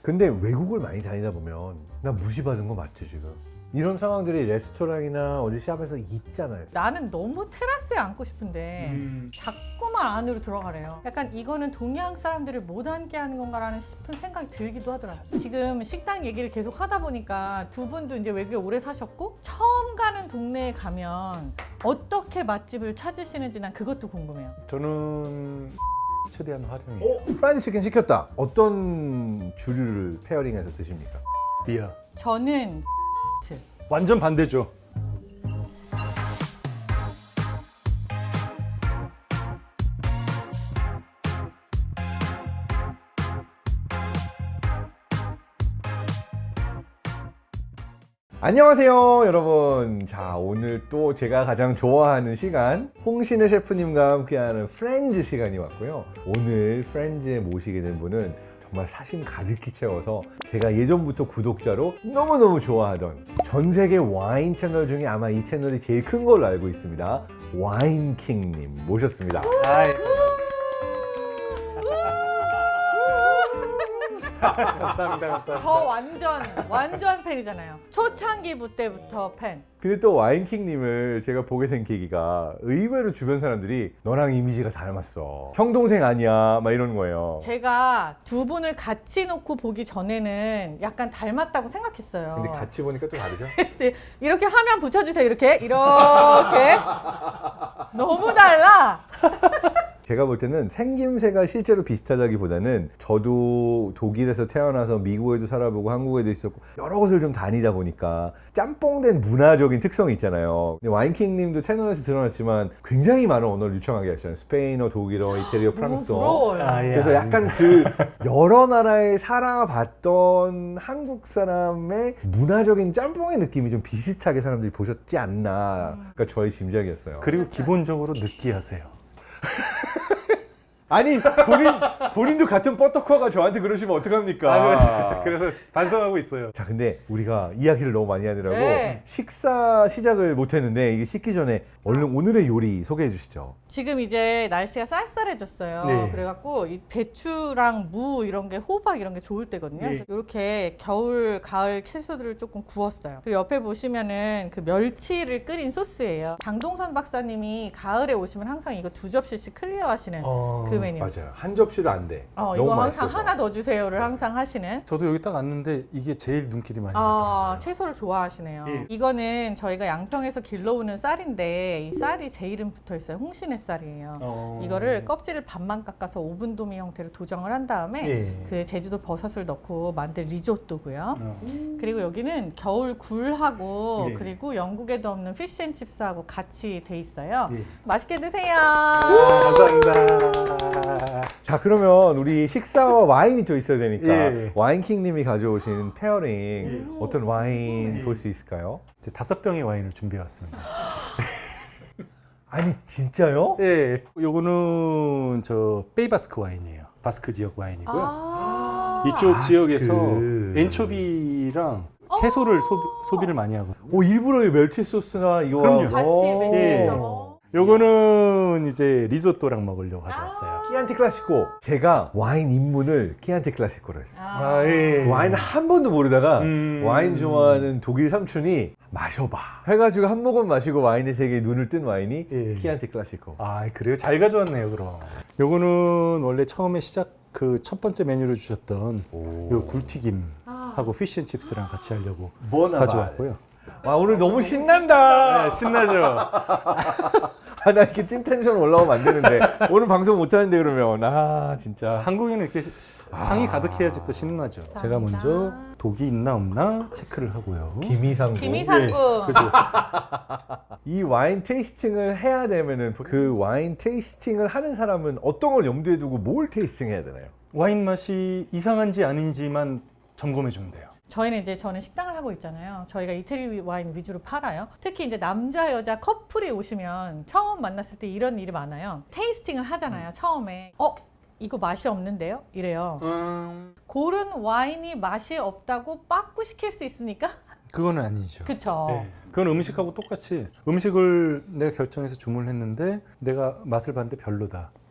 근데 외국을 많이 다니다 보면 나 무시받은 거 맞죠 지금? 이런 상황들이 레스토랑이나 어디 샵에서 있잖아요. 나는 너무 테라스에 앉고 싶은데 자꾸만 안으로 들어가래요. 약간 이거는 동양 사람들을 못 앉게 하는 건가라는 싶은 생각이 들기도 하더라고요. 지금 식당 얘기를 계속 하다 보니까 두 분도 이제 외국에 오래 사셨고 처음 가는 동네에 가면 어떻게 맛집을 찾으시는지 난 그것도 궁금해요. 저는 최대한 활용해요. 프라이드 치킨 시켰다. 어떤 주류를 페어링해서 드십니까? 리아. 저는 완전 반대죠. 안녕하세요 여러분. 자, 오늘 또 제가 가장 좋아하는 시간 홍신의 셰프님과 함께하는 프렌즈 시간이 왔고요. 오늘 프렌즈에 모시게 된 분은 정말 사심 가득히 채워서 제가 예전부터 구독자로 너무너무 좋아하던 전 세계 와인 채널 중에 아마 이 채널이 제일 큰 걸로 알고 있습니다. 와인킹님 모셨습니다. 감사합니다. 감사합니다. 저 완전 팬이잖아요. 초창기 때부터 팬. 근데 또 와인킹님을 제가 보게 된 계기가 의외로 주변 사람들이 너랑 이미지가 닮았어. 형 동생 아니야? 막 이러는 거예요. 제가 두 분을 같이 놓고 보기 전에는 약간 닮았다고 생각했어요. 근데 같이 보니까 또 다르죠? 이렇게 화면 붙여주세요. 이렇게 너무 달라. 제가 볼 때는 생김새가 실제로 비슷하다기보다는 저도 독일에서 태어나서 미국에도 살아보고 한국에도 있었고 여러 곳을 좀 다니다 보니까 짬뽕된 문화적인 특성이 있잖아요. 근데 와인킹님도 채널에서 드러났지만 굉장히 많은 언어를 유창하게 하시잖아요. 스페인어, 독일어, 이태리어, 프랑스어. 부러워요. 그래서 약간 그 여러 나라에 살아봤던 한국 사람의 문화적인 짬뽕의 느낌이 좀 비슷하게 사람들이 보셨지 않나. 그러니까 저의 짐작이었어요. 그리고 기본적으로 느끼하세요. 아니 본인도 같은 버터커가 저한테 그러시면 어떡합니까? 그래서 반성하고 있어요. 자, 근데 우리가 이야기를 너무 많이 하느라고 네. 식사 시작을 못했는데 이게 식기 전에 얼른 오늘의 요리 소개해 주시죠. 지금 이제 날씨가 쌀쌀해졌어요. 네. 그래갖고 이 배추랑 무 이런 게 호박 이런 게 좋을 때거든요. 네. 그래서 이렇게 겨울, 가을 채소들을 조금 구웠어요. 그리고 옆에 보시면은 그 멸치를 끓인 소스예요. 장동선 박사님이 가을에 오시면 항상 이거 2접시씩 클리어하시는 그 메뉴. 맞아요. 한 접시로 안 돼. 너무 이거 항상 맛있어서. 하나 더 주세요를 항상 하시는. 저도 여기 딱 왔는데 이게 제일 눈길이 많이 가더라고요. 채소를 좋아하시네요. 예. 이거는 저희가 양평에서 길러오는 쌀인데 이 쌀이 제 이름 붙어 있어요. 홍신의 쌀이에요. 이거를 껍질을 반만 깎아서 오븐 도미 형태로 도정을 한 다음에 예. 그 제주도 버섯을 넣고 만든 리조또고요. 그리고 여기는 겨울 굴하고 예. 그리고 영국에도 없는 피쉬앤칩스하고 같이 돼 있어요. 예. 맛있게 드세요. 감사합니다. 자, 그러면 우리 식사와 와인이 또 있어야 되니까 예. 와인킹님이 가져오신 페어링 어떤 와인 볼 수 있을까요? 이제 5병의 와인을 준비해 왔습니다. 아니 진짜요? 예. 요거는 저 베이바스크 와인이에요. 바스크 지역 와인이고요. 이쪽 지역에서 엔초비랑 채소를 소비를 많이 하거든요. 일부러 이 멸치 소스나 이거 그럼요. 같이 예. 매치해서. 요거는 이제 리조또랑 먹으려고 가져왔어요. 키안티 클라시코. 제가 와인 입문을 키안티 클라시코로 했어요. 예. 와인 한 번도 모르다가 와인 좋아하는 독일 삼촌이 마셔봐 해가지고 한 모금 마시고 와인의 세계에 눈을 뜬 와인이 예. 키안티 클라시코. 아, 그래요? 잘 가져왔네요, 그럼. 요거는 원래 처음에 그 첫 번째 메뉴로 주셨던 요 굴튀김하고 피쉬앤칩스랑 같이 하려고 가져왔고요. 와, 오늘 너무 신난다. 네, 신나죠? 나 이렇게 찐 텐션 올라오면 안 되는데 오늘 방송 못 하는데 그러면 진짜 한국인은 이렇게 상이 가득해야지 또 신나죠. 제가 먼저 독이 있나 없나 체크를 하고요. 김이상구. 김이상구. 그죠? 이 와인 테이스팅을 해야 되면은 그 와인 테이스팅을 하는 사람은 어떤 걸 염두에 두고 뭘 테이스팅해야 되나요? 와인 맛이 이상한지 아닌지만 점검해 주면 돼요. 저는 식당을 하고 있잖아요. 저희가 이태리 와인 위주로 팔아요. 특히 이제 남자 여자 커플이 오시면 처음 만났을 때 이런 일이 많아요. 테이스팅을 하잖아요. 처음에 이거 맛이 없는데요? 이래요. 고른 와인이 맛이 없다고 빠꾸 시킬 수 있습니까? 그거는 아니죠. 그쵸. 네. 그건 음식하고 똑같이 음식을 내가 결정해서 주문을 했는데 내가 맛을 봤는데 별로다.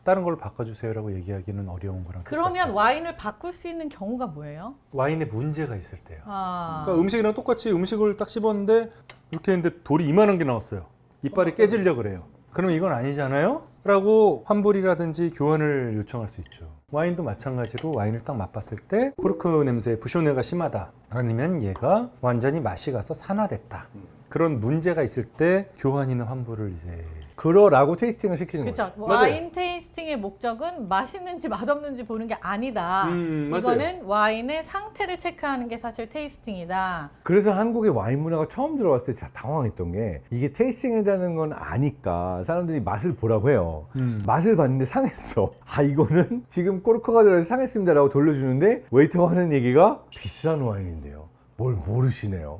다른 걸로 바꿔주세요라고 얘기하기는 어려운 거랑 그러면 똑같아요. 와인을 바꿀 수 있는 경우가 뭐예요? 와인에 문제가 있을 때요. 아, 그러니까 음식이랑 똑같이 음식을 딱 씹었는데 이렇게 했는데 돌이 이만한 게 나왔어요. 이빨이 깨지려고 그래요. 그러면 이건 아니잖아요? 라고 환불이라든지 교환을 요청할 수 있죠. 와인도 마찬가지로 와인을 딱 맛봤을 때 코르크 냄새, 부쇼네가 심하다. 아니면 얘가 완전히 맛이 가서 산화됐다. 그런 문제가 있을 때 교환이나 환불을 이제 그러라고 테이스팅을 시키는 거죠. 그렇죠. 와인 테이스팅의 목적은 맛있는지 맛없는지 보는 게 아니다. 맞아요. 이거는 와인의 상태를 체크하는 게 사실 테이스팅이다. 그래서 한국의 와인 문화가 처음 들어왔을 때 제가 당황했던 게 이게 테이스팅이라는 건 아니까 사람들이 맛을 보라고 해요. 맛을 봤는데 상했어. 아 이거는 지금 코르크가 들어서 상했습니다라고 돌려주는데 웨이터가 하는 얘기가 비싼 와인인데요. 뭘 모르시네요.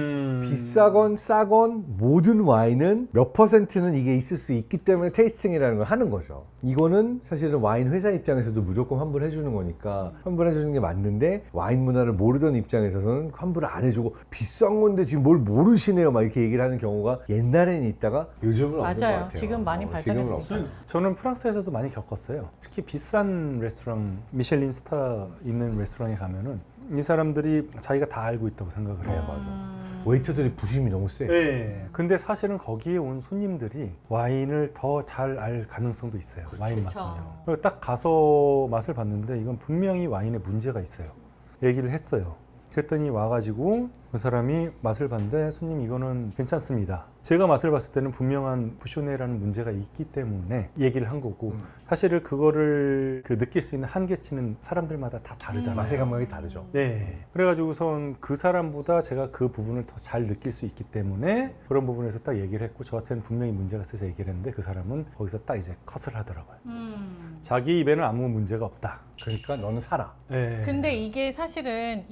비싸건 싸건 모든 와인은 몇 퍼센트는 이게 있을 수 있기 때문에 테이스팅이라는 걸 하는 거죠. 이거는 사실은 와인 회사 입장에서도 무조건 환불해 주는 거니까 환불해 주는 게 맞는데 와인 문화를 모르던 입장에서는 환불을 안 해주고 비싼 건데 지금 뭘 모르시네요 막 이렇게 얘기를 하는 경우가 옛날에는 있다가 요즘은 없는 것 맞아요. 같아요. 지금 많이 지금은 발전했으니까. 없어요. 저는 프랑스에서도 많이 겪었어요. 특히 비싼 레스토랑, 미셸린 스타 있는 레스토랑에 가면은 이 사람들이 자기가 다 알고 있다고 생각을 해요. 웨이터들이 부심이 너무 세. 네. 근데 사실은 거기에 온 손님들이 와인을 더 잘 알 가능성도 있어요. 와인 그쵸. 맛은요. 그래서 딱 가서 맛을 봤는데 이건 분명히 와인에 문제가 있어요. 얘기를 했어요. 그랬더니 와가지고 그 사람이 맛을 봤는데 손님 이거는 괜찮습니다. 제가 맛을 봤을 때는 분명한 부쇼네라는 문제가 있기 때문에 얘기를 한 거고 사실은 그거를 느낄 수 있는 한계치는 사람들마다 다 다르잖아요. 맛의 감각이 다르죠. 네. 그래가지고선 그 사람보다 제가 그 부분을 더 잘 느낄 수 있기 때문에 그런 부분에서 딱 얘기를 했고 저한테는 분명히 문제가 있어서 얘기를 했는데 그 사람은 거기서 딱 이제 컷을 하더라고요. 자기 입에는 아무 문제가 없다. 그러니까 너는 살아. 네. 근데 이게 사실은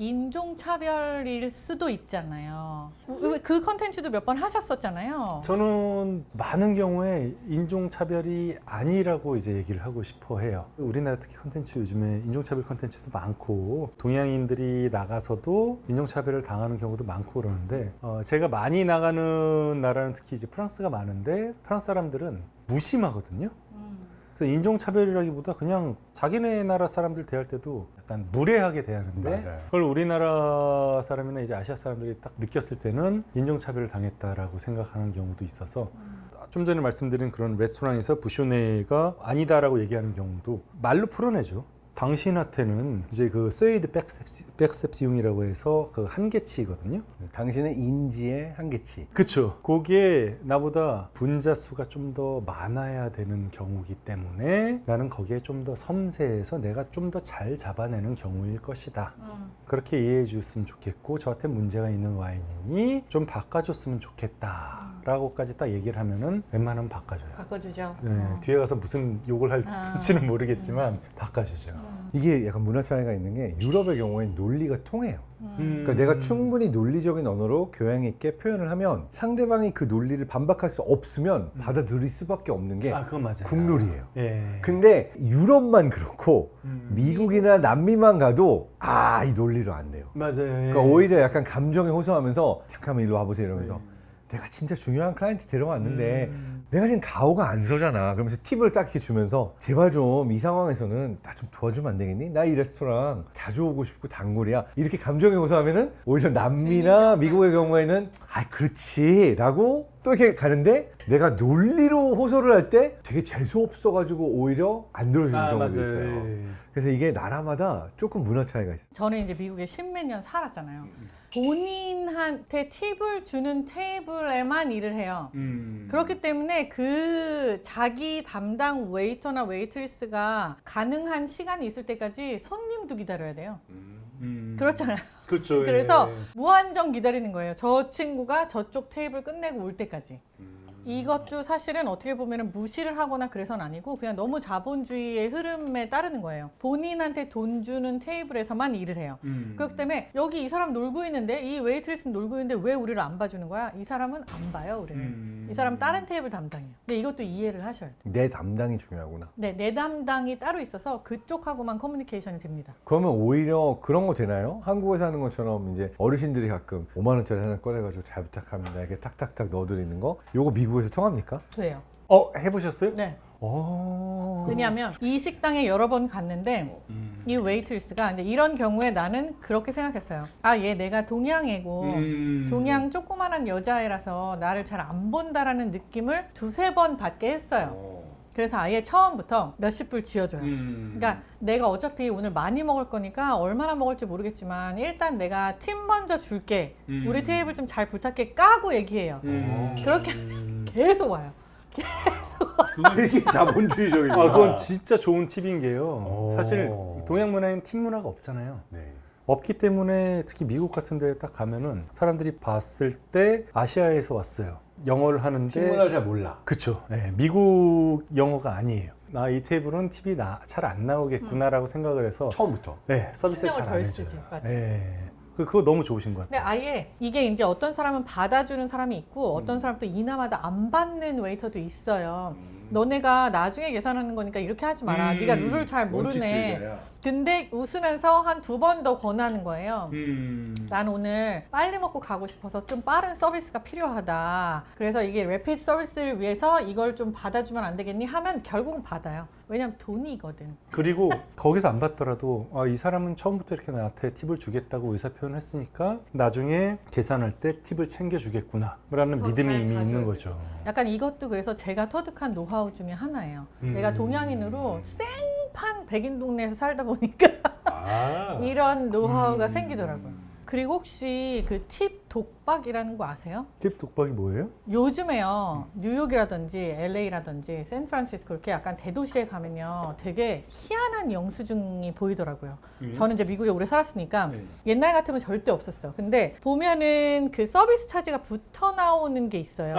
인종차별일 수도 있잖아요. 그 컨텐츠도 몇 번 하셨었잖아요. 저는 많은 경우에 인종차별이 아니라고 이제 얘기를 하고 싶어 해요. 우리나라 특히 컨텐츠 요즘에 인종차별 컨텐츠도 많고 동양인들이 나가서도 인종차별을 당하는 경우도 많고 그러는데 제가 많이 나가는 나라는 특히 이제 프랑스가 많은데 프랑스 사람들은 무심하거든요. 그래서 인종차별이라기보다 그냥 자기네 나라 사람들 대할 때도 약간 무례하게 대하는데 맞아요. 그걸 우리나라 사람이나 이제 아시아 사람들이 딱 느꼈을 때는 인종차별을 당했다라고 생각하는 경우도 있어서 좀 전에 말씀드린 그런 레스토랑에서 부쇼네가 아니다라고 얘기하는 경우도 말로 풀어내죠. 당신한테는 이제 그 쇠이드 백셉시움이라고 해서 그 한계치거든요. 당신의 인지의 한계치. 그쵸. 그게 나보다 분자 수가 좀 더 많아야 되는 경우이기 때문에 나는 거기에 좀 더 섬세해서 내가 좀 더 잘 잡아내는 경우일 것이다. 그렇게 이해해 줬으면 좋겠고 저한테 문제가 있는 와인이니 좀 바꿔줬으면 좋겠다. 라고까지 딱 얘기를 하면은 웬만하면 바꿔줘요. 바꿔주죠. 네, 뒤에 가서 무슨 욕을 할지는 모르겠지만 바꿔주죠. 이게 약간 문화 차이가 있는 게 유럽의 경우에는 논리가 통해요. 그러니까 내가 충분히 논리적인 언어로 교양 있게 표현을 하면 상대방이 그 논리를 반박할 수 없으면 받아들일 수밖에 없는 게 그건 맞아요. 국룰이에요. 예. 근데 유럽만 그렇고 미국이나 남미만 가도 이 논리로 안 돼요. 맞아요. 그러니까 오히려 약간 감정에 호소하면서 잠깐만 일로 와보세요 이러면서 내가 진짜 중요한 클라이언트 데려왔는데 내가 지금 가오가 안 서잖아. 그러면서 팁을 딱 이렇게 주면서 제발 좀 이 상황에서는 나 좀 도와주면 안 되겠니? 나 이 레스토랑 자주 오고 싶고 단골이야. 이렇게 감정에 호소하면은 오히려 남미나 미국의 경우에는 그렇지 라고 또 이렇게 가는데 내가 논리로 호소를 할 때 되게 재수 없어가지고 오히려 안 들어주는 경우도 맞아요. 있어요. 그래서 이게 나라마다 조금 문화 차이가 있어요. 저는 이제 미국에 십몇 년 살았잖아요. 본인한테 팁을 주는 테이블에만 일을 해요. 그렇기 때문에 그 자기 담당 웨이터나 웨이트리스가 가능한 시간이 있을 때까지 손님도 기다려야 돼요. 그렇잖아요. 그렇죠. 그래서 무한정 기다리는 거예요. 저 친구가 저쪽 테이블 끝내고 올 때까지. 이것도 사실은 어떻게 보면 무시를 하거나 그래서는 아니고 그냥 너무 자본주의의 흐름에 따르는 거예요. 본인한테 돈 주는 테이블에서만 일을 해요. 그렇기 때문에 여기 이 사람 놀고 있는데 이 웨이트리스는 놀고 있는데 왜 우리를 안 봐주는 거야? 이 사람은 안 봐요 우리는. 이 사람 다른 테이블 담당이에요. 근데 이것도 이해를 하셔야 돼요. 내 담당이 중요하구나. 네, 내 담당이 따로 있어서 그쪽하고만 커뮤니케이션이 됩니다. 그러면 오히려 그런 거 되나요? 한국에서 하는 것처럼 이제 어르신들이 가끔 5만 원짜리 하나 꺼내가지고 잘 부탁합니다 이렇게 탁탁탁 넣어드리는 거 요거 미국에서 통합니까? 돼요. 해보셨어요? 네. 왜냐하면 이 식당에 여러 번 갔는데 이 웨이트리스가 이제 이런 경우에 나는 그렇게 생각했어요. 아, 얘 내가 동양애고 동양 조그만한 여자애라서 나를 잘 안 본다라는 느낌을 두세 번 받게 했어요. 그래서 아예 처음부터 몇십 불 지어줘요. 그러니까 내가 어차피 오늘 많이 먹을 거니까 얼마나 먹을지 모르겠지만 일단 내가 팁 먼저 줄게. 우리 테이블 좀 잘 부탁해 까고 얘기해요. 그렇게 계속 와요. 되게 자본주의적이죠. 그건 진짜 좋은 팁인 게요. 오. 사실 동양 문화에는 팁 문화가 없잖아요. 네. 없기 때문에 특히 미국 같은 데 딱 가면은 사람들이 봤을 때 아시아에서 왔어요. 영어를 하는데 팀문화를 잘 몰라. 그쵸. 네, 미국 영어가 아니에요. 나 이 테이블은 팁이 잘 안 나오겠구나라고 생각을 해서 처음부터. 네, 서비스를 신경을 잘 안 덜 해줘요. 쓰지. 맞아요. 네. 그거 너무 좋으신 것 근데 같아요. 아예 이게 이제 어떤 사람은 받아주는 사람이 있고 어떤 사람은 또 이나마다 안 받는 웨이터도 있어요. 너네가 나중에 계산하는 거니까 이렇게 하지 마라. 네가 룰을 잘 모르네. 원칙주의자야. 근데 웃으면서 한 두 번 더 권하는 거예요. 난 오늘 빨리 먹고 가고 싶어서 좀 빠른 서비스가 필요하다. 그래서 이게 레피드 서비스를 위해서 이걸 좀 받아주면 안 되겠니? 하면 결국은 받아요. 왜냐면 돈이거든. 그리고 거기서 안 받더라도 이 사람은 처음부터 이렇게 나한테 팁을 주겠다고 의사표현을 했으니까 나중에 계산할 때 팁을 챙겨주겠구나 라는 더 믿음이 잘 이미 있는 가져야 거죠. 약간 이것도 그래서 제가 터득한 노하우 중에 하나예요. 내가 동양인으로 생판 백인 동네에서 살다 보니까 이런 노하우가 생기더라고요. 그리고 혹시 그 팁 독박이라는 거 아세요? 팁 독박이 뭐예요? 요즘에요, 뉴욕이라든지 LA라든지 샌프란시스코 이렇게 약간 대도시에 가면요 되게 희한한 영수증이 보이더라고요. 저는 이제 미국에 오래 살았으니까 옛날 같으면 절대 없었어요. 근데 보면은 그 서비스 차지가 붙어 나오는 게 있어요.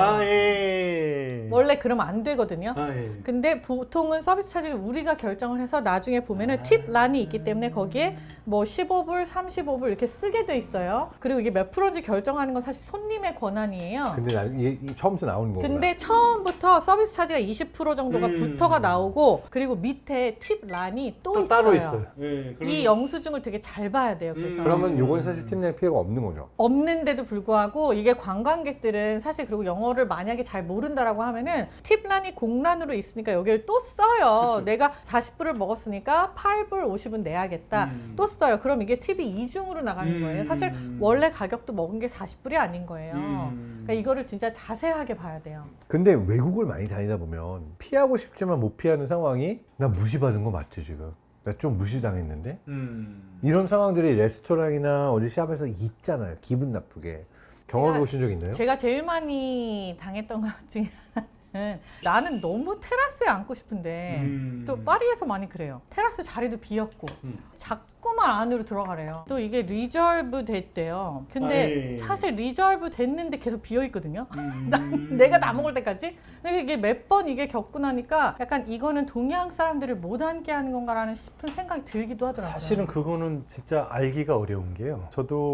예. 원래 그러면 안 되거든요. 예. 근데 보통은 서비스 차지를 우리가 결정을 해서 나중에 보면은 팁 란이 있기 때문에 거기에 뭐 15불, 35불 이렇게 쓰게 돼 있어요. 그리고 이게 몇 프로인지 결정하는 건 사실 손님의 권한이에요. 근데 이게 처음부터 나오는 거구나. 근데 처음부터 서비스 차지가 20% 정도가 붙어가 나오고 그리고 밑에 팁 란이 또 있어요. 따로 있어요. 이 영수증을 되게 잘 봐야 돼요. 그래서 그러면 요건 사실 팀 낼 필요가 없는 거죠. 없는데도 불구하고 이게 관광객들은 사실 그리고 영어를 만약에 잘 모른다라고 하면은 팁란이 공란으로 있으니까 여기를 또 써요. 그쵸. 내가 40불을 먹었으니까 8불 50은 내야겠다. 또 써요. 그럼 이게 팁이 이중으로 나가는 거예요. 사실 원래 가격도 먹은 게 40불이 아닌 거예요. 그러니까 이거를 진짜 자세하게 봐야 돼요. 근데 외국을 많이 다니다 보면 피하고 싶지만 못 피하는 상황이 나 무시받은 거 맞지 지금? 나 좀 무시당했는데? 이런 상황들이 레스토랑이나 어디 샵에서 있잖아요. 기분 나쁘게. 경험해 보신 적 있나요? 제가 제일 많이 당했던 것 중에 하나는 나는 너무 테라스에 앉고 싶은데 또 파리에서 많이 그래요. 테라스 자리도 비었고 자꾸만 안으로 들어가래요. 또 이게 리저브 됐대요. 근데 사실 리저브 됐는데 계속 비어 있거든요. 내가 다 먹을 때까지. 근데 이게 몇 번 이게 겪고 나니까 약간 이거는 동양 사람들을 못 앉게 하는 건가라는 싶은 생각이 들기도 하더라고요. 사실은 그거는 진짜 알기가 어려운 게요.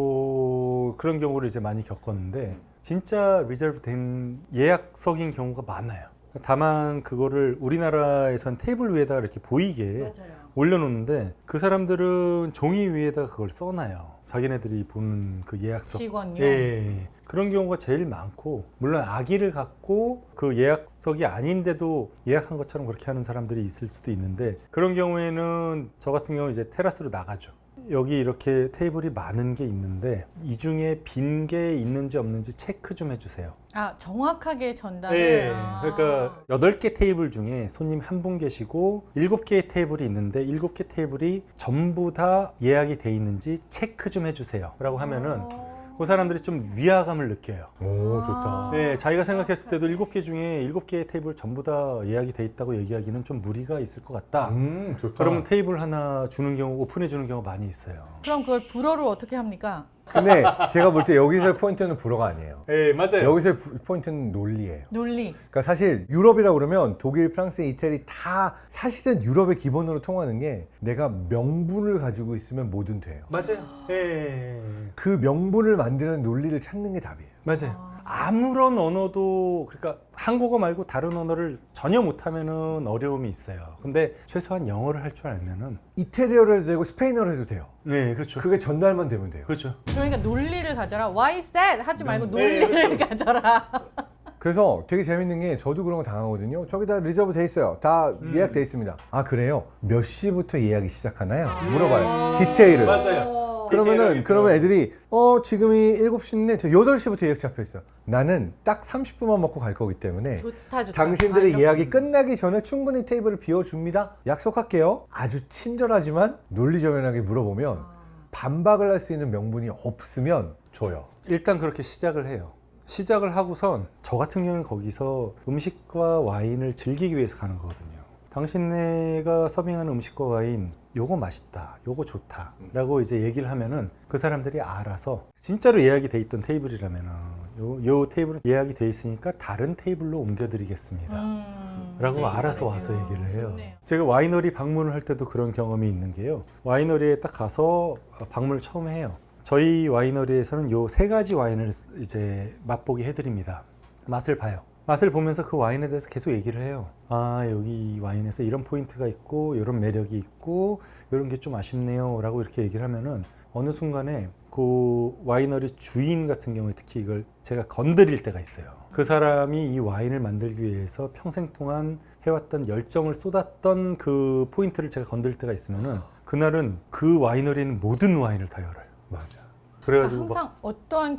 저도 그런 경우를 이제 많이 겪었는데 진짜 리저브 된 예약석인 경우가 많아요. 다만 그거를 우리나라에선 테이블 위에다가 이렇게 보이게 맞아요. 올려놓는데 그 사람들은 종이 위에다가 그걸 써놔요. 자기네들이 보는 그 예약석. 직원요. 예. 그런 경우가 제일 많고 물론 아기를 갖고 그 예약석이 아닌데도 예약한 것처럼 그렇게 하는 사람들이 있을 수도 있는데 그런 경우에는 저 같은 경우 이제 테라스로 나가죠. 여기 이렇게 테이블이 많은 게 있는데 이 중에 빈 게 있는지 없는지 체크 좀 해주세요. 아, 정확하게 전달을. 네. 아. 그러니까 8개 테이블 중에 손님 한 분 계시고 7개의 테이블이 있는데 7개 테이블이 전부 다 예약이 돼 있는지 체크 좀 해주세요. 라고 하면은 그 사람들이 좀 위화감을 느껴요. 오 좋다. 네, 자기가 생각했을 때도 7개 중에 7개의 테이블 전부 다 예약이 돼 있다고 얘기하기는 좀 무리가 있을 것 같다. 좋다. 그러면 테이블 하나 주는 경우, 오픈해 주는 경우가 많이 있어요. 그럼 그걸 불어로 어떻게 합니까? 근데 제가 볼 때 여기서의 포인트는 불어가 아니에요. 네, 맞아요. 여기서의 포인트는 논리예요. 논리. 그러니까 사실 유럽이라고 그러면 독일, 프랑스, 이태리 다 사실은 유럽의 기본으로 통하는 게 내가 명분을 가지고 있으면 뭐든 돼요. 맞아요. 네. 그 명분을 만드는 논리를 찾는 게 답이에요. 맞아요. 아무런 언어도 그러니까 한국어 말고 다른 언어를 전혀 못하면은 어려움이 있어요. 근데 최소한 영어를 할 줄 알면은 이태리어로 해도 되고 스페인어로 해도 돼요. 네, 그렇죠. 그게 전달만 되면 돼요. 그렇죠. 그러니까 논리를 가져라. Why is that? 하지 말고 네, 논리를 가져라. 그래서 되게 재밌는 게 저도 그런 거 당하거든요. 저기 다 리저브 돼 있어요. 다 예약돼 있습니다. 아 그래요? 몇 시부터 예약이 시작하나요? 물어봐요. 디테일을. 맞아요. 그러면 애들이 지금이 7시인데 저 8시부터 예약 잡혀 있어. 나는 딱 30분만 먹고 갈 거기 때문에 좋다. 당신들의 예약이 끝나기 전에 충분히 테이블을 비워줍니다. 약속할게요. 아주 친절하지만 논리정연하게 물어보면 반박을 할 수 있는 명분이 없으면 줘요. 일단 그렇게 시작을 해요. 시작을 하고선 저 같은 경우는 거기서 음식과 와인을 즐기기 위해서 가는 거거든요. 당신네가 서빙하는 음식과 와인 요거 맛있다, 요거 좋다 라고 이제 얘기를 하면은 그 사람들이 알아서 진짜로 예약이 돼 있던 테이블이라면은 요 테이블은 예약이 돼 있으니까 다른 테이블로 옮겨드리겠습니다 라고 네, 알아서 그러네요. 와서 얘기를 해요. 좋네요. 제가 와이너리 방문을 할 때도 그런 경험이 있는 게요. 와이너리에 딱 가서 방문을 처음 해요. 저희 와이너리에서는 요 3가지 와인을 이제 맛보게 해드립니다. 맛을 봐요. 맛을 보면서 그 와인에 대해서 계속 얘기를 해요. 아, 여기 이 와인에서 이런 포인트가 있고 이런 매력이 있고 이런 게 좀 아쉽네요 라고 이렇게 얘기를 하면은 어느 순간에 그 와이너리 주인 같은 경우에 특히 이걸 제가 건드릴 때가 있어요. 그 사람이 이 와인을 만들기 위해서 평생 동안 해왔던 열정을 쏟았던 그 포인트를 제가 건드릴 때가 있으면은 그날은 그 와이너리는 모든 와인을 다 열어요. 맞아. 그래가지고 항상 어떠한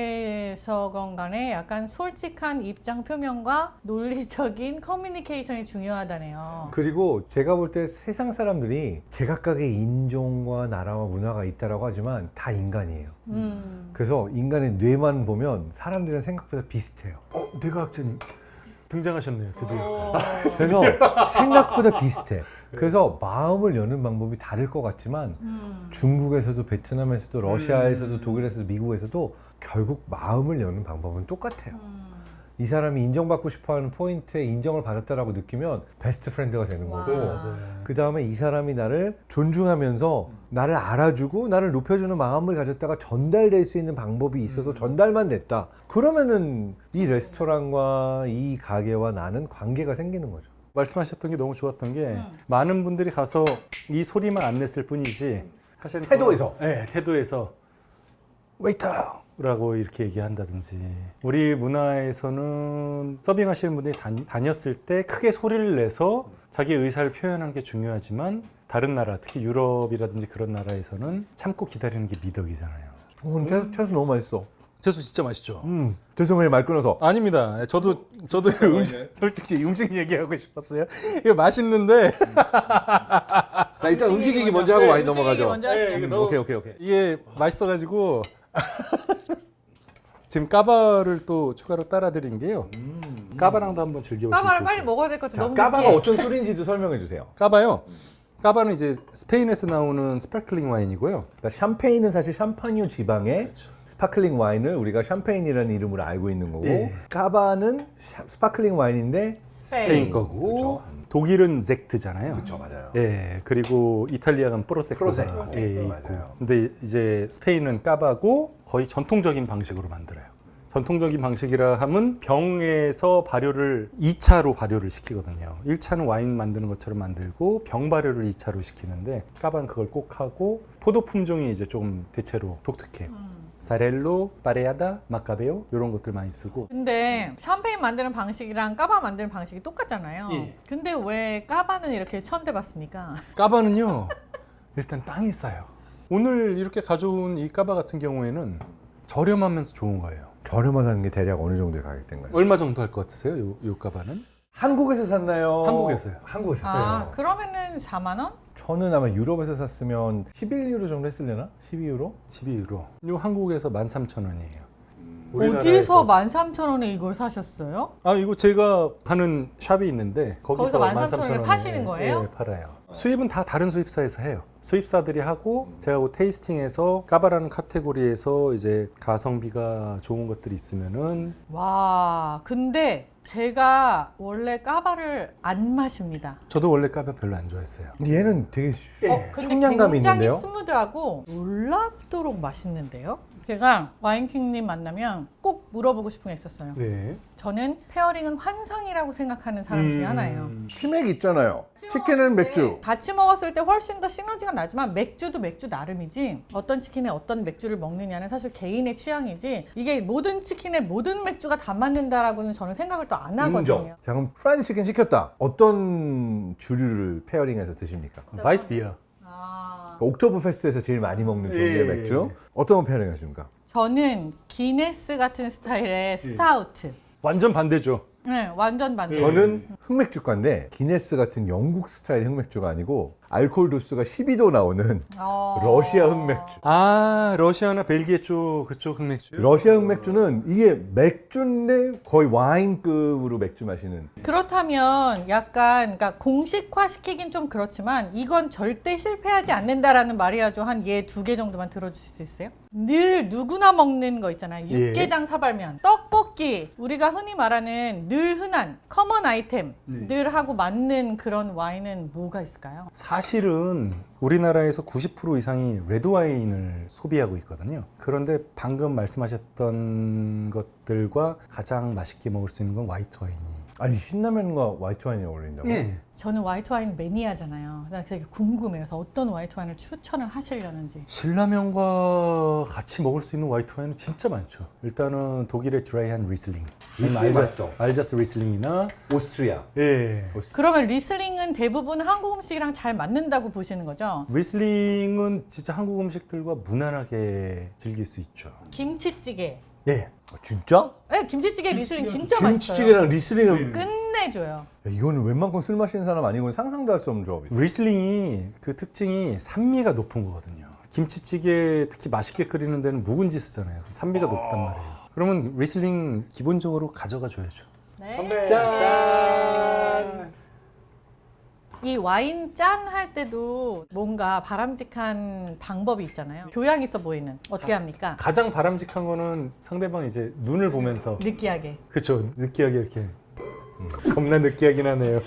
경우에서건 간에 약간 솔직한 입장 표명과 논리적인 커뮤니케이션이 중요하다네요. 그리고 제가 볼 때 세상 사람들이 제각각의 인종과 나라와 문화가 있다라고 하지만 다 인간이에요. 그래서 인간의 뇌만 보면 사람들은 생각보다 비슷해요. 뇌과학자님 등장하셨네요. 드디어. 그래서 생각보다 비슷해. 그래서 마음을 여는 방법이 다를 것 같지만 중국에서도 베트남에서도 러시아에서도 독일에서도 미국에서도 결국 마음을 여는 방법은 똑같아요. 이 사람이 인정받고 싶어하는 포인트에 인정을 받았다라고 느끼면 베스트 프렌드가 되는 와. 거고 맞아요. 그 다음에 이 사람이 나를 존중하면서 나를 알아주고 나를 높여주는 마음을 가졌다가 전달될 수 있는 방법이 있어서 전달만 됐다. 그러면은 이 레스토랑과 이 가게와 나는 관계가 생기는 거죠. 말씀하셨던 게 너무 좋았던 게 많은 분들이 가서 이 소리만 안 냈을 뿐이지 사실 태도에서. 네, 태도에서 웨이터라고 이렇게 얘기한다든지 우리 문화에서는 서빙하시는 분들이 다녔을 때 크게 소리를 내서 자기 의사를 표현하는 게 중요하지만 다른 나라 특히 유럽이라든지 그런 나라에서는 참고 기다리는 게 미덕이잖아요. 채소 너무 맛있어. 채소 진짜 맛있죠. 죄송해요 말 끊어서. 아닙니다. 저도 솔직히 음식 얘기하고 싶었어요. 이거 맛있는데 자 일단 음식 얘기 먼저 하고 와인 음식 얘기 넘어가죠. 먼저 하시죠. 오케이. 이게 맛있어가지고 지금 까바를 또 추가로 따라 드린 게요. 까바랑도 한번 즐겨보시면 까바를 좋을 빨리 거예요. 먹어야 될 것 같아. 자, 너무 까바가 느끼해. 어떤 술인지도 설명해 주세요. 까바요. 까바는 이제 스페인에서 나오는 스파클링 와인이고요. 그러니까 샴페인은 사실 샴파뉴 지방의 스파클링 와인을 우리가 샴페인이라는 이름으로 알고 있는 거고 네. 까바는 스파클링 와인인데 스페인 거고 독일은 젝트잖아요. 그렇죠 맞아요. 예, 그리고 이탈리아는 프로세코가 프로세코. 예, 있고. 맞아요. 근데 이제 스페인은 까바고 거의 전통적인 방식으로 만들어요. 전통적인 방식이라 하면 병에서 발효를 2차로 발효를 시키거든요. 1차는 와인 만드는 것처럼 만들고 병 발효를 2차로 시키는데 까바는 그걸 꼭 하고 포도 품종이 이제 좀 대체로 독특해요. 사렐로, 파레아다, 마카베오 이런 것들 많이 쓰고 근데 샴페인 만드는 방식이랑 까바 만드는 방식이 똑같잖아요. 예. 근데 왜 까바는 이렇게 천대받습니까? 까바는요 일단 땅이 싸요. 오늘 이렇게 가져온 이 까바 같은 경우에는 저렴하면서 좋은 거예요. 저렴하다는 게 대략 어느 정도의 가격대인가요? 얼마 정도 할 것 같으세요? 요 까바는? 한국에서 샀나요? 한국에서요. 한국에서 아, 샀어요. 그러면은 4만 원? 저는 아마 유럽에서 샀으면 11유로 정도 했을려나? 12유로? 12유로. 요 한국에서 13,000원이에요. 어디서 13,000원에 이걸 사셨어요? 아 이거 제가 하는 샵이 있는데 거기서 거기서 13,000원에 파시는 거예요? 네, 팔아요. 수입은 다 다른 수입사에서 해요. 수입사들이 하고 제가 그 테이스팅에서 까바라는 카테고리에서 이제 가성비가 좋은 것들이 있으면은 와, 근데 제가 원래 까바를 안 마십니다. 저도 원래 까바 별로 안 좋아했어요. 근데 얘는 되게 근데 청량감이 굉장히 있는데요? 스무드하고 놀랍도록 맛있는데요? 제가 와인킹님 만나면 꼭 물어보고 싶은 게 있었어요. 네. 저는 페어링은 환상이라고 생각하는 사람 중에 하나예요. 치맥 있잖아요. 치킨은 맥주. 같이 먹었을 때 훨씬 더 시너지가 나지만 맥주도 맥주 나름이지 어떤 치킨에 어떤 맥주를 먹느냐는 사실 개인의 취향이지 이게 모든 치킨에 모든 맥주가 다 맞는다라고는 저는 생각을 또 안 하거든요. 인정. 자, 그럼 프라이드 치킨 시켰다. 어떤 주류를 페어링해서 드십니까? 바이스 비어. 옥토버 페스트에서 제일 많이 먹는 종류의 예. 맥주. 어떤 거 페어링 하십니까? 저는 기네스 같은 스타일의 스타우트. 완전 반대죠. 네, 완전 반전. 저는 흑맥주가인데 기네스 같은 영국 스타일 흑맥주가 아니고 알코올 도수가 12도 나오는 러시아 흑맥주. 아, 러시아나 벨기에 쪽 그쪽 흑맥주. 러시아 흑맥주는 이게 맥주인데 거의 와인급으로 맥주 마시는. 그렇다면 약간 그러니까 공식화 시키긴 좀 그렇지만 이건 절대 실패하지 않는다라는 마리아조 한 얘 2개 정도만 들어주실 수 있어요? 늘 누구나 먹는 거 있잖아요. 육개장 사발면, 떡볶이, 우리가 흔히 말하는 늘 흔한 커먼 아이템들하고 맞는 그런 와인은 뭐가 있을까요? 사실은 우리나라에서 90% 이상이 레드 와인을 소비하고 있거든요. 그런데 방금 말씀하셨던 것들과 가장 맛있게 먹을 수 있는 건 화이트 와인이. 아니 신라면과 화이트 와인이 어울린다고? 네. 저는 화이트 와인 매니아잖아요. 나 되게 궁금해요. 그래서 어떤 화이트 와인을 추천을 하시려는지. 신라면과 같이 먹을 수 있는 화이트 와인은 진짜 많죠. 일단은 독일의 드라이한 리슬링. 리슬링 맛있어. 알자스 리슬링이나 오스트리아. 예. 그러면 리슬링은 대부분 한국 음식이랑 잘 맞는다고 보시는 거죠? 리슬링은 진짜 한국 음식들과 무난하게 즐길 수 있죠. 김치찌개. 예. 진짜? 네, 김치찌개 리슬링 진짜 맛있어요. 김치찌개랑 리슬링은 끝내줘요. 야, 이거는 웬만큼 술 마시는 사람 아니고는 상상도 할 수 없는 조합이다. 리슬링이 그 특징이 산미가 높은 거거든요. 김치찌개 특히 맛있게 끓이는 데는 묵은지 쓰잖아요. 산미가 높단 말이에요. 그러면 리슬링 기본적으로 가져가 줘야죠. 네. 짠! 이 와인 짠 할 때도 뭔가 바람직한 방법이 있잖아요. 교양 있어 보이는. 어떻게 합니까? 가장 바람직한 거는 상대방 이제 눈을 보면서 느끼하게. 그쵸, 느끼하게 이렇게 겁나 느끼하긴 하네요.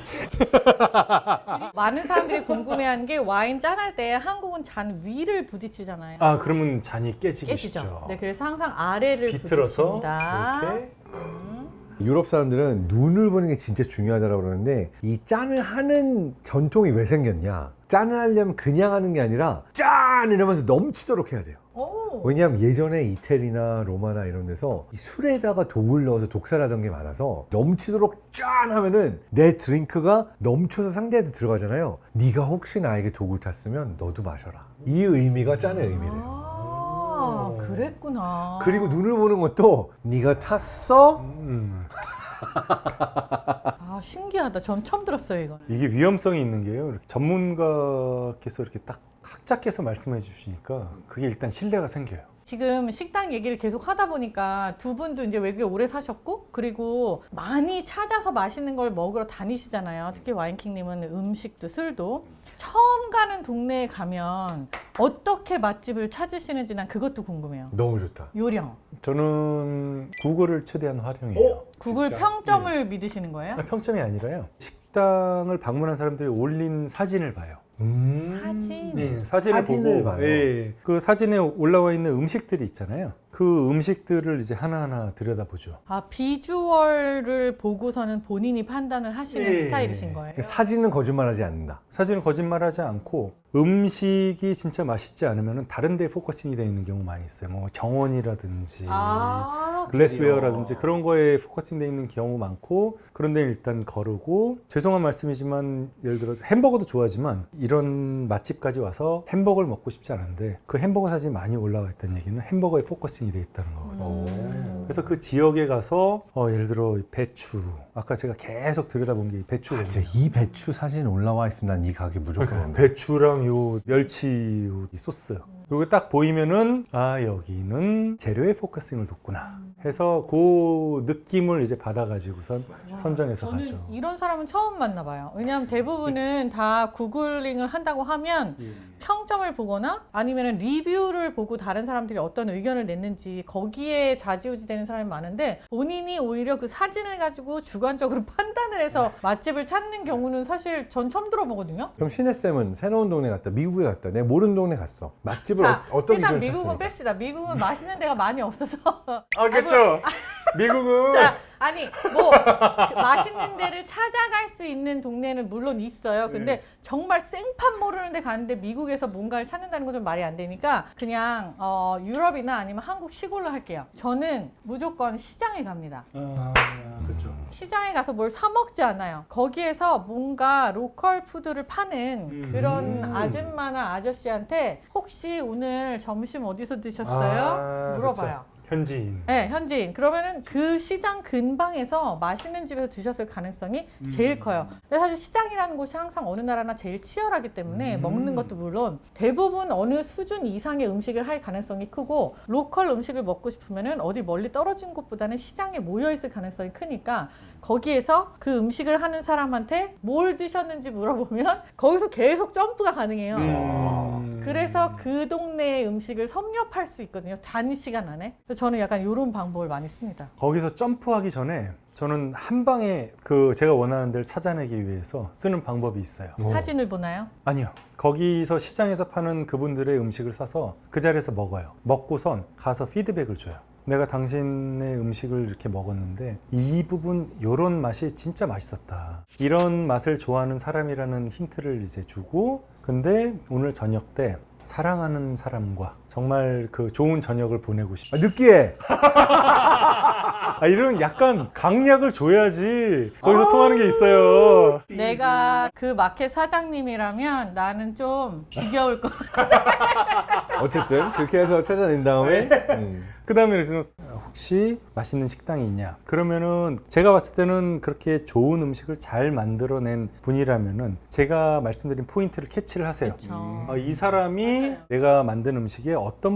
많은 사람들이 궁금해하는 게 와인 짠할 때 한국은 잔 위를 부딪히잖아요. 아, 그러면 잔이 깨지기 깨지죠. 쉽죠. 네, 그래서 항상 아래를 비틀어서 부딪힌다. 이렇게 유럽 사람들은 눈을 보는 게 진짜 중요하다고 그러는데 이 짠을 하는 전통이 왜 생겼냐? 짠을 하려면 그냥 하는 게 아니라 짠! 이러면서 넘치도록 해야 돼요. 오. 왜냐하면 예전에 이태리나 로마나 이런 데서 이 술에다가 독을 넣어서 독살하던 게 많아서 넘치도록 짠 하면은 내 드링크가 넘쳐서 상대한테 들어가잖아요. 네가 혹시 나에게 독을 탔으면 너도 마셔라. 이 의미가 짠의 의미래요. 아, 그랬구나. 그리고 눈을 보는 것도 네가 탔어? 아, 신기하다. 전 처음 들었어요, 이거. 이게 위험성이 있는 게요. 이렇게 전문가께서 이렇게 딱 학자께서 말씀해 주시니까 그게 일단 신뢰가 생겨요. 지금 식당 얘기를 계속 하다 보니까 두 분도 이제 외국에 오래 사셨고 그리고 많이 찾아서 맛있는 걸 먹으러 다니시잖아요. 특히 와인킹님은 음식도 술도 처음 가는 동네에 가면 어떻게 맛집을 찾으시는지 난 그것도 궁금해요. 너무 좋다. 요령. 저는 구글을 최대한 활용해요. 구글 평점을 믿으시는 거예요? 아, 평점이 아니라요. 식당을 방문한 사람들이 올린 사진을 봐요. 사진. 네, 사진을 사진을 보고 봐요. 예, 그 사진에 올라와 있는 음식들이 있잖아요. 그 음식들을 이제 하나하나 들여다보죠. 아, 비주얼을 보고서는 본인이 판단을 하시는 예. 스타일이신 거예요? 사진은 거짓말하지 않는다. 사진은 거짓말하지 않고 음식이 진짜 맛있지 않으면 다른 데 포커싱이 되어 있는 경우 많이 있어요. 뭐 정원이라든지 아, 글래스웨어라든지 그런 거에 포커싱 되어 있는 경우 많고 그런 데 일단 거르고 죄송한 말씀이지만 예를 들어서 햄버거도 좋아하지만 이런 맛집까지 와서 햄버거를 먹고 싶지 않은데 그 햄버거 사진이 많이 올라와 있다는 얘기는 햄버거에 포커싱이 되어 있다는 거거든요. 그래서 그 지역에 가서 예를 들어 배추 아까 제가 계속 들여다본 게 배추거든요. 이 배추 사진 올라와 있으면 난 이 가게 무조건 온다. 배추랑 요 멸치 요 소스 요게 딱 보이면은 아 여기는 재료에 포커싱을 뒀구나 해서 그 느낌을 이제 받아가지고선 선정해서 저는 가죠. 이런 사람은 처음 만나봐요. 왜냐하면 대부분은 다 구글링을 한다고 하면 평점을 보거나 아니면 리뷰를 보고 다른 사람들이 어떤 의견을 냈는지 거기에 좌지우지 되는 사람이 많은데 본인이 오히려 그 사진을 가지고 주관적으로 판단을 해서 맛집을 찾는 경우는 사실 전 처음 들어보거든요. 그럼 신혜쌤은 새로운 동네 갔다, 미국에 갔다, 내가 모르는 동네 갔어. 맛집을 자, 어떤 일단 기준을 미국은 찾습니까? 뺍시다. 미국은 맛있는 데가 많이 없어서. 그렇죠. 미국은 자, 아니 뭐 그 맛있는 데를 찾아갈 수 있는 동네는 물론 있어요. 근데 정말 생판 모르는 데 가는데 미국에서 뭔가를 찾는다는 건 좀 말이 안 되니까 그냥 유럽이나 아니면 한국 시골로 할게요. 저는 무조건 시장에 갑니다. 그렇죠. 시장에 가서 뭘 사 먹지 않아요. 거기에서 뭔가 로컬 푸드를 파는 그런 아줌마나 아저씨한테 혹시 오늘 점심 어디서 드셨어요? 물어봐요. 그렇죠. 현지인. 네, 현지인. 그러면은 그 시장 근방에서 맛있는 집에서 드셨을 가능성이 제일 커요. 근데 사실 시장이라는 곳이 항상 어느 나라나 제일 치열하기 때문에 먹는 것도 물론 대부분 어느 수준 이상의 음식을 할 가능성이 크고 로컬 음식을 먹고 싶으면은 어디 멀리 떨어진 곳보다는 시장에 모여 있을 가능성이 크니까 거기에서 그 음식을 하는 사람한테 뭘 드셨는지 물어보면 거기서 계속 점프가 가능해요. 그래서 그 동네의 음식을 섭렵할 수 있거든요. 단시간 안에. 그래서 저는 약간 이런 방법을 많이 씁니다. 거기서 점프하기 전에 저는 한 방에 그 제가 원하는 데를 찾아내기 위해서 쓰는 방법이 있어요. 사진을 보나요? 아니요. 거기서 시장에서 파는 그분들의 음식을 사서 그 자리에서 먹어요. 먹고선 가서 피드백을 줘요. 내가 당신의 음식을 이렇게 먹었는데 이 부분 요런 맛이 진짜 맛있었다. 이런 맛을 좋아하는 사람이라는 힌트를 이제 주고 근데 오늘 저녁 때 사랑하는 사람과 정말 그 좋은 저녁을 보내고 싶다. 느끼해. 이런 약간 강약을 줘야지 거기서 통하는 게 있어요. 내가 그 마켓 사장님이라면 나는 좀 지겨울 것 어쨌든 그렇게 해서 찾아낸 다음에 그 다음에 혹시 맛있는 식당이 있냐? 그러면은 제가 봤을 때는 그렇게 좋은 음식을 잘 만들어낸 분이라면은 제가 말씀드린 포인트를 캐치를 하세요. 같죠. 이 사람이 맞아요. 내가 만든 음식의 어떤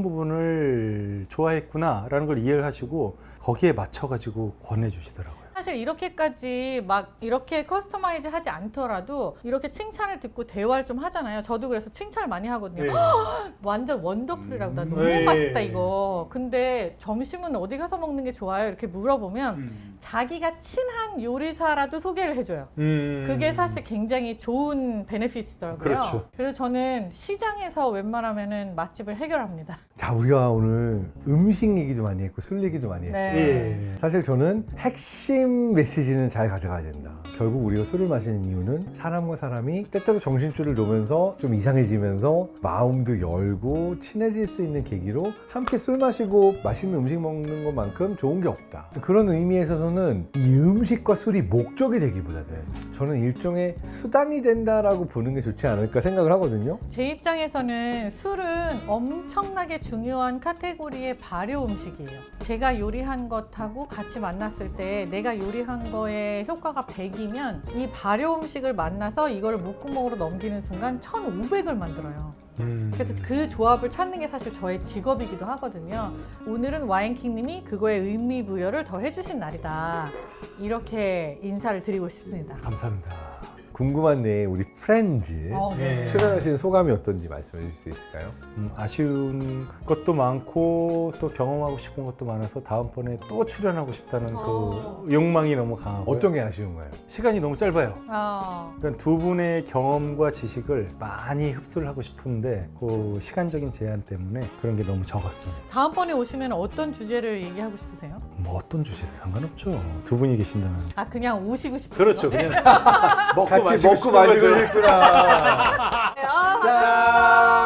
부분을 좋아했구나라는 걸 이해를 하시고 거기에 맞춰가지고 권해주시더라고요. 사실 이렇게까지 막 이렇게 커스터마이즈 하지 않더라도 이렇게 칭찬을 듣고 대화를 좀 하잖아요. 저도 그래서 칭찬을 많이 하거든요. 네. 완전 원더풀이라고 나 너무 네. 맛있다 이거. 근데 점심은 어디 가서 먹는 게 좋아요? 이렇게 물어보면 자기가 친한 요리사라도 소개를 해줘요. 그게 사실 굉장히 좋은 베네핏이더라고요. 그렇죠. 그래서 저는 시장에서 웬만하면은 맛집을 해결합니다. 자, 우리가 오늘 음식 얘기도 많이 했고 술 얘기도 많이 했고 네. 사실 저는 핵심 메시지는 잘 가져가야 된다. 결국 우리가 술을 마시는 이유는 사람과 사람이 때때로 정신줄을 놓으면서 좀 이상해지면서 마음도 열고 친해질 수 있는 계기로 함께 술 마시고 맛있는 음식 먹는 것만큼 좋은 게 없다. 그런 의미에서 저는 이 음식과 술이 목적이 되기보다는 저는 일종의 수단이 된다라고 보는 게 좋지 않을까 생각을 하거든요. 제 입장에서는 술은 엄청나게 중요한 카테고리의 발효 음식이에요. 제가 요리한 것하고 같이 만났을 때 내가 요리한 거에 효과가 100이면 이 발효 음식을 만나서 이걸 목구멍으로 넘기는 순간 1500을 만들어요. 그래서 그 조합을 찾는 게 사실 저의 직업이기도 하거든요. 오늘은 와인킹님이 그거에 의미 부여를 더 해주신 날이다. 이렇게 인사를 드리고 싶습니다. 감사합니다. 궁금한 내에 우리 프렌즈 네. 출연하신 소감이 어떤지 말씀해 주실 수 있을까요? 아쉬운 것도 많고 또 경험하고 싶은 것도 많아서 다음번에 또 출연하고 싶다는 그 욕망이 너무 강하고 어떤 게 아쉬운가요? 시간이 너무 짧아요. 어, 일단 두 분의 경험과 지식을 많이 흡수를 하고 싶은데 그 시간적인 제한 때문에 그런 게 너무 적었습니다. 다음번에 오시면 어떤 주제를 얘기하고 싶으세요? 뭐 어떤 주제도 상관없죠. 두 분이 계신다면. 아 그냥 오시고 싶으세요? 그렇죠. 그냥 먹고 같이 먹고 마시고 싶구나. 아, 짠!